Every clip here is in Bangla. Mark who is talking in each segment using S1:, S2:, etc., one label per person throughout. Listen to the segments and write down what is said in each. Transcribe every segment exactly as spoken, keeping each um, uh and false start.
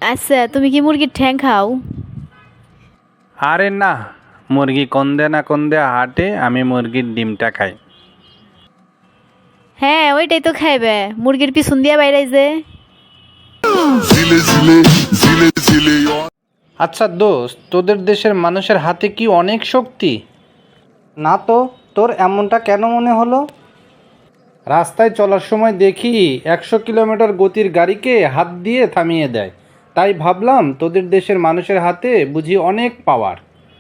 S1: আচ্ছা, তুমি কি মুরগির ঠ্যাং খাও?
S2: আরে না, মুরগি কন্দে না কন্দে হাটে, আমি মুরগির ডিমটা খাই।
S1: হ্যাঁ, ওইটাই তো খাইবে, মুরগির পিছন দিয়া বাইরে যে।
S2: আচ্ছা দোস্ত, তোদের দেশের মানুষের হাতে কি অনেক শক্তি?
S3: না তো, তোর এমনটা কেন মনে হলো?
S2: রাস্তায় চলার সময় দেখি একশো কিলোমিটার গতির গাড়িকে হাত দিয়ে থামিয়ে দেয়, তাই ভাবলাম তোদের দেশের মানুষের হাতে বুঝি অনেক পাওয়ার।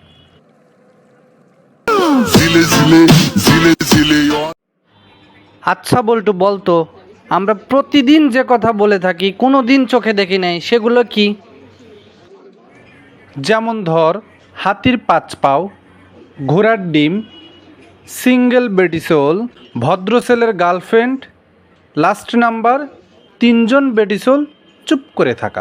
S2: আচ্ছা বল্টু, বলতো আমরা প্রতিদিন যে কথা বলে থাকি কোনো দিন চোখে দেখি নাই, সেগুলো কি? যেমন ধর, হাতির পাঁচ পাও, ঘোড়ার ডিম, সিঙ্গেল বেটিসোল, ভদ্র ছেলের গার্লফ্রেন্ড, লাস্ট নাম্বার, তিনজন বেটিসোল চুপ করে থাকা।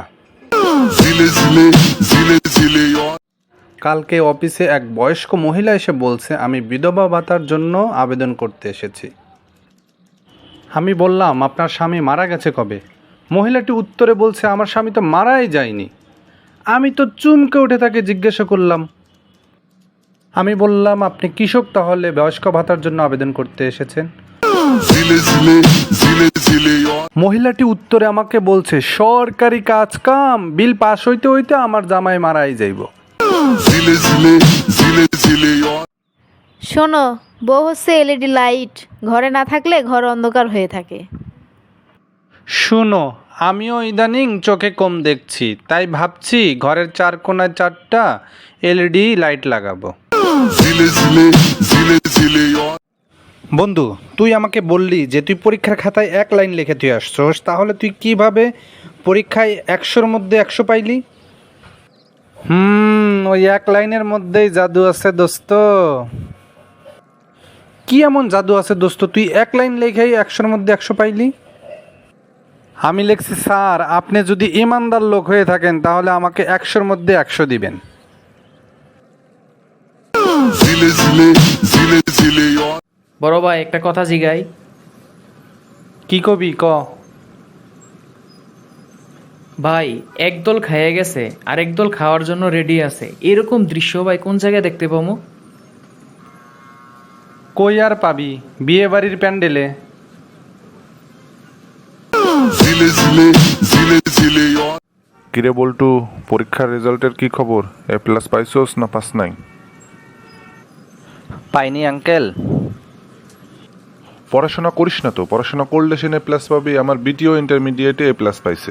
S2: কালকে অফিসে এক বয়স্ক মহিলা এসে বলছে আমি বিধবা ভাতার জন্য আবেদন করতে এসেছি। আমি বললাম আপনার স্বামী মারা গেছে কবে? মহিলাটি উত্তরে বলছে আমার স্বামী তো মারাই যায়নি। আমি তো চুমকে উঠে তাকে জিজ্ঞাসা করলাম, আমি বললাম আপনি কৃষক, তাহলে বয়স্ক ভাতার জন্য আবেদন করতে এসেছেন? মহিলাটি উত্তরে আমাকে বলছে সরকারি কাজ কাম, বিল পাস হইতে হইতে আমার জামাই মারাই যাইব।
S1: শোনো, বউ হচ্ছে এলইডি লাইট, ঘরে না থাকলে ঘর অন্ধকার হয়ে থাকে।
S2: শুনো, আমিও ইদানিং চোখে কম দেখছি, তাই ভাবছি ঘরের চার কোণায় চারটা এলইডি লাইট লাগাবো। বন্ধু, তুই আমাকে বললি যে তুই পরীক্ষার খাতায় এক লাইন লিখে তুই আসছস, তাহলে তুই কিভাবে পরীক্ষায় একশোর মধ্যে একশো পাইলি? হুম ওই এক লাইনের মধ্যেই জাদু আছে দোস্ত। কি এমন জাদু আছে দোস্ত, তুই এক লাইন লেখাই একশোর মধ্যে একশো পাইলি? আমি লিখছি স্যার, আপনি যদি ইমানদার লোক হয়ে থাকেন তাহলে আমাকে একশোর মধ্যে একশো দিবেন।
S4: বড় ভাই, একটা কথা জিগাই।
S2: কি কবি ক।
S4: ভাই, একদল খাইয়ে গেছে আর একদল খাওয়ার জন্য রেডি আছে, এরকম দৃশ্য ভাই কোন জায়গায় দেখতে পাবো?
S2: কই আর পাবি, বিয়ে বাড়ির প্যান্ডেলে।
S5: কিরে বল্টু, পরীক্ষার রেজাল্টের কি খবর? এ প্লাস পাইছোস না পাস নাই?
S3: পাইনি আঙ্কেল।
S5: পড়াশোনা করিস না তো, পড়াশোনা করলে সে এ প্লাস পাবি। আমার বিটিও ইন্টারমিডিয়েটে এ প্লাস পাইছে।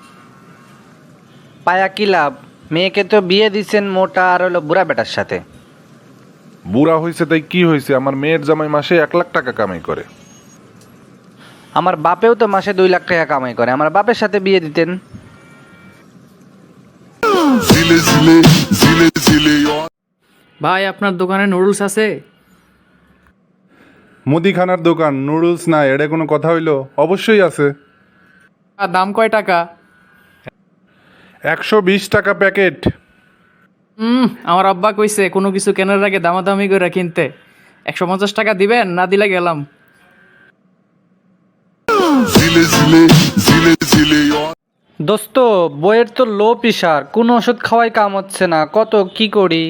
S3: পায়া কি লাভ, মেয়েকে তো বিয়ে দিচ্ছেন মোটা আর হলো বুড়া বেটার সাথে।
S5: বুড়া হয়েছে তাই কি হয়েছে, আমার মেয়ের জামাই মাসে এক লাখ টাকা কামাই করে।
S3: আমার বাপেও তো মাসে দুই লাখ টাকা কামাই করে, আমার বাপের সাথে বিয়ে দিতেন।
S4: ভাই, আপনার দোকানে নুডলস আছে?
S5: মুদিখানার দোকান, নুডলস না, এটা কোনো কথা হইলো? অবশ্যই আছে।
S4: আর দাম কয় টাকা?
S5: একশো বিশ টাকা প্যাকেট।
S4: হুম আমার আব্বা কইছে কোনো কিছু কেনার আগে দামাদামি করে কিনতে। একশো পঞ্চাশ টাকা দিবেন, না দিলে গেলাম।
S3: দোস্ত, বইয়ের তো লো প্রেশার, কোনো ওষুধ খাওয়াই কাম হচ্ছে না, কত কি করি?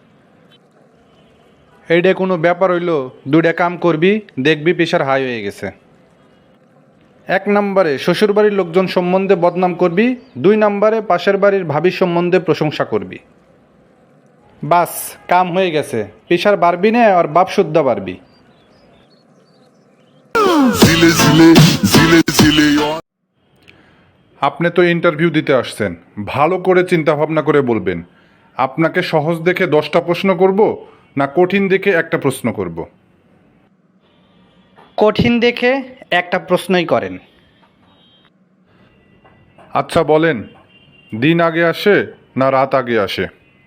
S2: এইটা কোনো ব্যাপার হইলো? দুইটা কাম করবি, দেখবি প্রেশার হাই হয়ে গেছে। এক নম্বরে শ্বশুরবাড়ির লোকজন সম্বন্ধে বদনাম করবি, দুই নম্বরে পাশের বাড়ির ভাবির সম্বন্ধে প্রশংসা করবি। বাস, কাম হয়ে গেছে। প্রেশার বাড়বি না আর বাপ শুদ্ধ বাড়বি।
S5: আপনি তো ইন্টারভিউ দিতে আসছেন, ভালো করে চিন্তা ভাবনা করে বলবেন। আপনাকে সহজ দেখে দশটা প্রশ্ন করব না কঠিন দেখে একটা প্রশ্ন করব?
S3: কঠিন দেখে একটা প্রশ্নই করেন।
S5: আচ্ছা বলেন, দিন আগে আসে না রাত আগে আসে?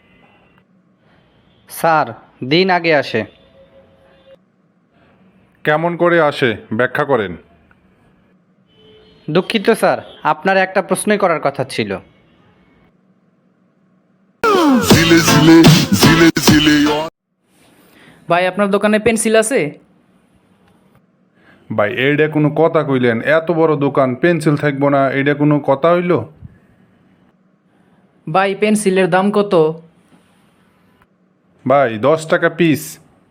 S3: স্যার, দিন আগে আসে।
S5: কেমন করে আসে ব্যাখ্যা করেন।
S3: দুঃখিত স্যার, আপনার একটা প্রশ্নই করার কথা ছিল।
S4: ভাই, আপনার দোকানে পেন্সিল আছে?
S5: ভাই, এইটা কোনো কথা কইলেন? এত বড় দোকান, পেন্সিল থাকবো না, এইটা কোনো কথা হইল?
S4: ভাই পেন্সিলের দাম কত?
S5: ভাই দশ টাকা পিস।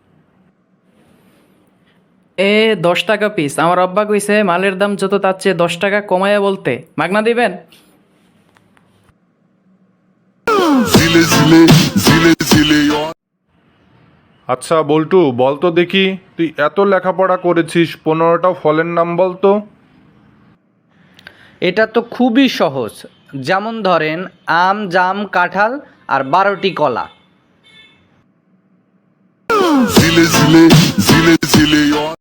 S4: এ দশ টাকা পিস? আমার আব্বা কইছে মালের দাম যত তার চেয়ে দশ টাকা কমায়া বলতে, মাগনা দিবেন?
S5: আচ্ছা বল্টু, বল তো দেখি, তুই এত লেখাপড়া করেছিস, পনেরোটা ফলের নাম বল তো।
S3: এটা তো খুবই সহজ। যেমন ধরেন আম, জাম, কাঁঠাল আর বারোটি কলা।